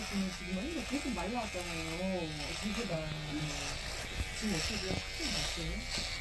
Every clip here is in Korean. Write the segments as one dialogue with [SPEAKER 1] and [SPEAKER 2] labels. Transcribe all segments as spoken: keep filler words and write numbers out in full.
[SPEAKER 1] 지금 완전 계속 말라왔잖아요. 지금보다. 지금 어떻게 확실히 났어요?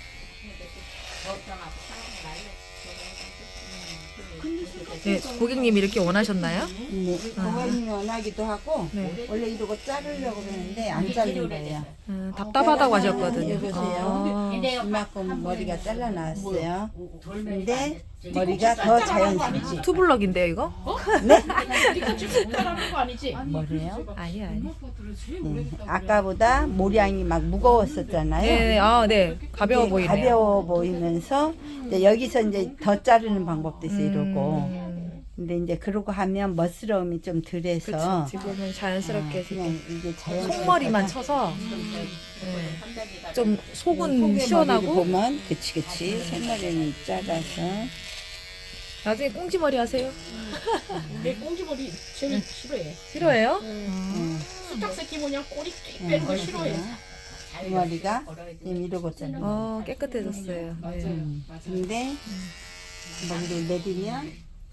[SPEAKER 2] 네, 고객님이 이렇게 원하셨나요?
[SPEAKER 3] 네, 고객님이 원하기도 하고
[SPEAKER 2] 네.
[SPEAKER 3] 원래 이러고 자르려고 그러는데 안 자른 거예요.
[SPEAKER 2] 음, 답답하다고 하셨거든요.
[SPEAKER 3] 여보세요.
[SPEAKER 2] 아,
[SPEAKER 3] 이만큼 머리가 잘라놨어요. 근데 머리가 더 자연스럽지.
[SPEAKER 2] 투블럭인데요, 이거?
[SPEAKER 1] 네가 지금 잘하는 거 아니지?
[SPEAKER 3] 뭐래요?
[SPEAKER 2] 아니, 아니.
[SPEAKER 3] 네. 아까보다 모량이 막 무거웠었잖아요.
[SPEAKER 2] 네, 아, 네. 가벼워
[SPEAKER 3] 이게
[SPEAKER 2] 보이네요.
[SPEAKER 3] 가벼워 보이면서 이제 여기서 이제 더 자르는 방법도 있어 이러고.
[SPEAKER 2] 음,
[SPEAKER 3] 근데 이제 그러고 하면 멋스러움이 좀 덜해서
[SPEAKER 2] 지금은 자연스럽게
[SPEAKER 3] 그냥 이게 자연스럽게
[SPEAKER 2] 속머리만 쳐서 네. 좀 속은
[SPEAKER 3] 속의
[SPEAKER 2] 시원하고
[SPEAKER 3] 머리를 보면 그치 그치 생머리는 작아서
[SPEAKER 2] 나중에 꽁지머리 하세요?
[SPEAKER 1] 내 꽁지머리 제일 싫어해.
[SPEAKER 2] 싫어해요?
[SPEAKER 3] 음.
[SPEAKER 1] 수탉 새끼 뭐냐 꼬리 끼 빼는 거 싫어해.
[SPEAKER 3] 이 머리가 지금 이러고 있잖아요.
[SPEAKER 2] 어, 깨끗해졌어요. 네.
[SPEAKER 3] 음. 근데 머리를 내리면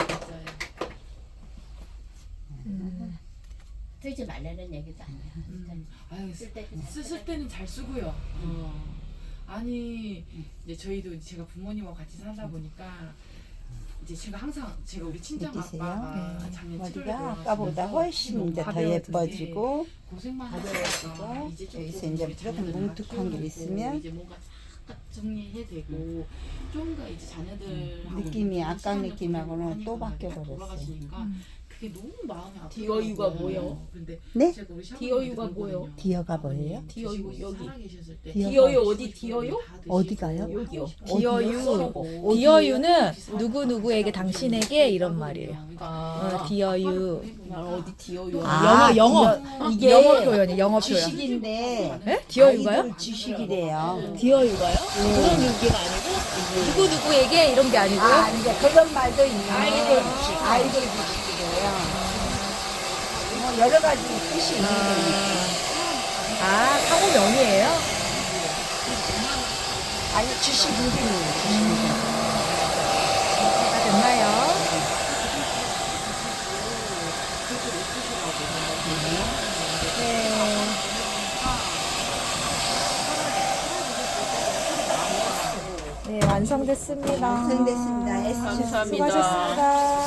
[SPEAKER 4] 쓰지 말라는 얘기도 아니야.
[SPEAKER 5] 아유,
[SPEAKER 4] 쓸 때
[SPEAKER 5] 쓰, 쓸 때는 잘 쓰고요. 어. 아니 이제 저희도 제가 부모님하고 같이 살다 보니까 이제 제가 항상 제가 우리 친정
[SPEAKER 3] 느끼세요?
[SPEAKER 5] 아빠가
[SPEAKER 2] 네.
[SPEAKER 5] 작년 칠월에
[SPEAKER 3] 머리가
[SPEAKER 5] 돌아가시면서
[SPEAKER 3] 아까보다 훨씬 이제 더
[SPEAKER 2] 가벼워졌지.
[SPEAKER 3] 예뻐지고
[SPEAKER 5] 고생만
[SPEAKER 3] 가벼워지고
[SPEAKER 5] 하다가 이제 조금
[SPEAKER 3] 여기서 이제
[SPEAKER 5] 우리
[SPEAKER 3] 조금
[SPEAKER 5] 자녀들
[SPEAKER 3] 뭉툭한 게
[SPEAKER 5] 키워놓고
[SPEAKER 3] 있으면
[SPEAKER 5] 이제 뭔가 딱 정리해 되고 좀더 이제 자녀들
[SPEAKER 3] 느낌이 아까 느낌하고는 또 바뀌어버렸어요.
[SPEAKER 5] 돌아가시니까 그게 너무 마음이 아프고
[SPEAKER 1] 디어유가 뭐예요?
[SPEAKER 5] 근데
[SPEAKER 3] 네?
[SPEAKER 5] 제가 우리 시어머니한테
[SPEAKER 1] 디어유가
[SPEAKER 5] 그러거든요.
[SPEAKER 1] 뭐예요?
[SPEAKER 3] 디어가 뭐예요?
[SPEAKER 1] 디어유
[SPEAKER 5] 드시고
[SPEAKER 1] 여기.
[SPEAKER 5] 살아계셨을 때
[SPEAKER 3] 디어가-
[SPEAKER 1] 디어유 어디 디어유?
[SPEAKER 5] 다 드시고
[SPEAKER 3] 어디가요?
[SPEAKER 1] 여기요.
[SPEAKER 2] 디어유. 디어유는 누구누구에게 당신에게 이런 말이에요.
[SPEAKER 1] 아.
[SPEAKER 2] 어, 디어유.
[SPEAKER 1] 난 어디 디어유?
[SPEAKER 3] 아,
[SPEAKER 2] 영어, 영어.
[SPEAKER 3] 디어- 이게
[SPEAKER 2] 영어 표현이 영어 표현.
[SPEAKER 3] 지식인데
[SPEAKER 2] 네? 디어유가요?
[SPEAKER 3] 아이돌 지식이래요.
[SPEAKER 2] 디어유가요? 그런 얘기가 아니고 누구누구에게 이런 게 아니고요.
[SPEAKER 3] 아, 이제 그런 말도 있네. 아이돌 지식. 아이돌 지식이래요. 뭐 여러 가지 뜻이 있는 거니까.
[SPEAKER 2] 아, 상호명이에요?
[SPEAKER 3] 아니, 지식 이름이에요. 지식 이름.
[SPEAKER 2] 다 됐나요? 네. 네, 완성됐습니다.
[SPEAKER 3] 완성됐습니다. 애쓰셨습니다.
[SPEAKER 2] 수고하셨습니다.